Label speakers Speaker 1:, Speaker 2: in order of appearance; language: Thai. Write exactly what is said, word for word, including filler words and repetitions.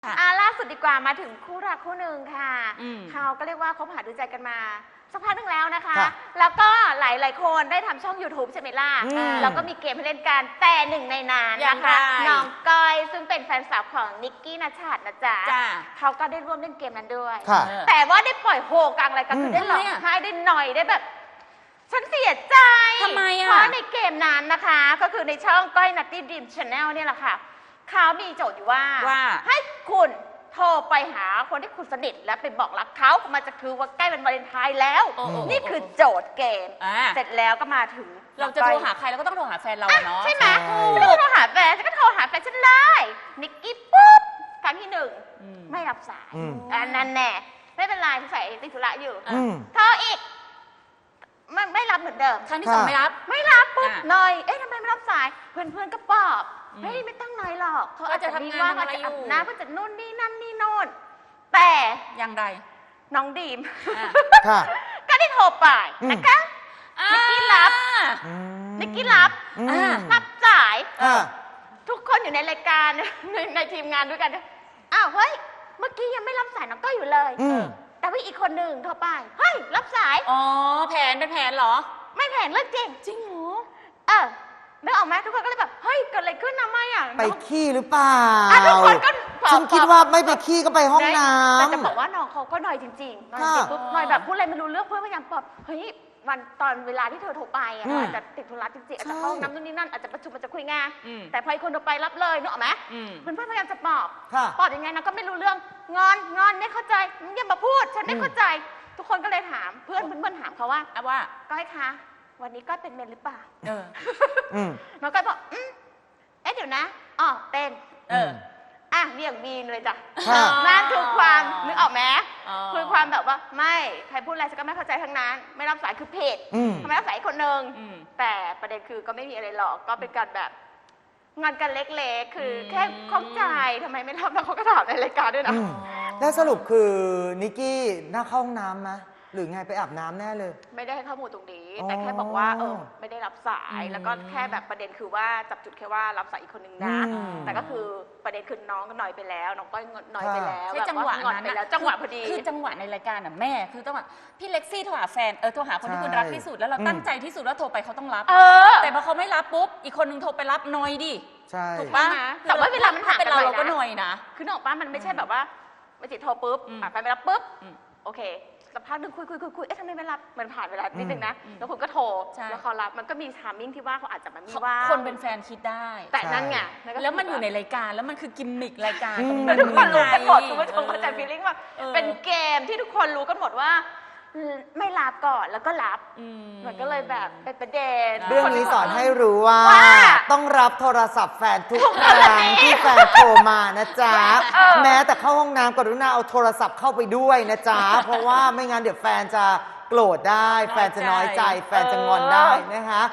Speaker 1: อ่าล่าสุดดีกว่ามาถึงคู่รักคู่หนึ่งค่ะเขาก็เรียกว่าคบหาดูใจกันมาสักพักหนึ่งแล้วนะคะแล้วก็หลายหลายคนได้ทำช่อง ยูทูบ ใช่ไหมล่ะแล้วก็มีเกมให้เล่นกันแต่หนึ่งในนั้นนะคะน้องก้อยซึ่งเป็นแฟนสาวของนิกกี้ณชัดนะจ๊ะเขาก็ได้ร่วมเล่นเกมนั้นด้วยแต่ว่าได้ปล่อยโฮกลางอะไรกันคือได้หลอกให้ได้หน่อยได้แบบฉันเสียใจทำไมอ่ะเพราะในเกมนั้นนะคะก็คือในช่องก้อยนัตตี้ดรีมชาแนลเนี่ยแหละค่ะเขามีโจทย์อยู่ว่าให้คุณโทรไปหาคนที่คุณสนิทและไปบอกรักเขามันจะคือว่าใกล้เป็นวาเลนไทน์แล้วนี่คือโจทย์เกมเสร็จแล้วก็มาถึง
Speaker 2: เราจะโทรหาใครเราก็ต้องโทรหาแฟนเราเนาะ
Speaker 1: ใช่ไหมฉันก็โทรหาแฟนฉันก็โทรหาแฟนฉันเลยนิกกี้ปุ๊บครั้งที่หนึ่งไม่รับสายอันนั้นแน่ไม่เป็นไรใส่ติดธุระอยู่โทรอีกไม่ไม่รับเหมือนเดิม
Speaker 2: ครั้งที่สองไม่รับ
Speaker 1: ไม่รับปุ๊บหน่อยเอ๊ะทำไมไม่รับสายเพื่อนเพื่อนก็ปลอบเฮ้ยไม่ต้องน้อยหรอกเขาอาจจะทำงานอะไรอยู่นะเขาจะนู่นนี่นั่นนี่โน่นแต่
Speaker 2: อย่างไร
Speaker 1: น้องดีมก็ได้โทรไปนะคะนิกกี้รับนิกกี้รับรับสายทุกคนอยู่ในรายการในในทีมงานด้วยกันอ้าวเฮ้ยเมื่อกี้ยังไม่รับสายน้องก็อยู่เลยแต่ว่าอีกคนหนึ่งโทรไปเฮ้ยรับสาย
Speaker 2: อ๋อแผนเป็นแผนเหรอ
Speaker 1: ไม่แผนเรื่องจริง
Speaker 2: จริงเหรอ
Speaker 1: เออนึกออกไหมทุกคนก็เลยแบบเฮ้ยเกิดอะไรขึ้นนะไม่อ่ะ
Speaker 3: ไปขี้หรือเปล่า
Speaker 1: ทุกคนก็
Speaker 3: ฉันคิดว่าไม่ไปขี้ก็ไปห้องน้ำ
Speaker 1: แต่จะบอกว่าน้องเขาก็หน่อยจริงๆหน่อยจริงปุ๊บหน่อยแบบพูดอะไรไม่รู้เรื่องเพื่อนพยายามปลอบเฮ้ยวันตอนเวลาที่เธอโทรไปอ่ะอาจจะติดธุระจริงๆอาจจะเข้าห้องน้ำนู่นนี่นั่นอาจจะประชุมอาจจะคุยงานแต่พอคนโทรไปรับเลยนึกออกไหมเพื่อนพยายามจะปลอบปลอบยังไงนะก็ไม่รู้เรื่องงอนงอนไม่เข้าใจอย่ามาพูดฉันไม่เข้าใจทุกคนก็เลยถามเพื่อนเพื่อนถามเขาว่า
Speaker 2: ว่า
Speaker 1: ก้อยคะวันนี้ก้อยเป็นเมนหรือเปล่า
Speaker 2: เออ
Speaker 1: น้องก้อยบอกอืมเอ๊ะเดี๋ยวนะอ๋อเป็น
Speaker 2: เออ
Speaker 1: อ่ะเรียกบีนเลยจ้ะนั่นคือความนึกออกไหมคือความแบบว่าไม่ใครพูดอะไรฉันก็ไม่เข้าใจทั้งนั้นไม่รับสายคือเพจทำไมรับสายคนหนึ่งแต่ประเด็นคือก็ไม่มีอะไรหรอกก็เป็นการแบบงานกันเล็กๆคือแค่ข้องใจทำไมไม่รับแล้วเขาก็ถามในรายการด้วยนะ
Speaker 3: แล้วสรุปคือนิกกี้น่าเข้าห้องน้ำไหมหรือไงไปอาบน้ำแน่เลย
Speaker 1: ไม่ได้ให้ข้อมูลตรงนี้แต่แค่บอกว่าเออไม่ได้รับสายแล้วก็แค่แบบประเด็นคือว่าจับจุดแค่ว่ารับสายอีกคนนึงนะแต่ก็คือประเด็นคือน้องก็หน่อยไปแล้วน้องก็หน่อยไปแล้ว
Speaker 2: จังหวะนั้น
Speaker 1: ไปแล้วจังหวะพอดี
Speaker 2: คือจังหวะในรายการอ่ะแม่คือจังหวะพี่เล็กซี่โทรหาแฟนเออโทรหาคนที่คุณรักที่สุดแล้วเราตั้งใจที่สุดแล้วโทรไปเขาต้องรับแต่พอเขาไม่รับปุ๊บอีกคนนึงโทรไปรับหน่อยดิถูกปะ
Speaker 1: แต่ว่าเวลามันห่างกัน
Speaker 2: เราก็หน่อยนะ
Speaker 1: คือน้องป้ามันไม่ใช่แบบว่าไม่จิตโทรปุ๊บไปไม่รับปุ๊บโอเคสักพักหนึ่งคุยคุยคุยคุยเอ๊ะทำไมไม่รับมันผ่านเวลานิดนึงนะแล้วคุณก็โทรแล้วเขารับมันก็มีทามมิ่งที่ว่าเขาอาจจะมันมีว่า
Speaker 2: คนเป็นแฟนคิดได้
Speaker 1: แต่นั่นไง
Speaker 2: แล้วมันอยู่ในรายการแล้วมันคือกิมมิครายการ
Speaker 1: ทุกคนรู้กันหมดคุณผู้ชมเข้าใจฟีลลิ่งว่าเป็นเกมที่ทุกคนรู้กันหมดว่าไม่รับก่อนแล้วก็รับมันก็เลยแบบเป็นประเด็น
Speaker 3: เรื่องนี้สอนให้รู้ว่าต้องรับโทรศัพท์แฟนทุกครั้งที่แฟนโทรมานะจ๊ะแม้แต่เข้าห้องน้ำกรุณาเอาโทรศัพท์เข้าไปด้วยนะจ๊ะเพราะว่าไม่งั้นเดี๋ยวแฟนจะโกรธได้แฟนจะน้อยใจแฟนจะงอนได้นะคะ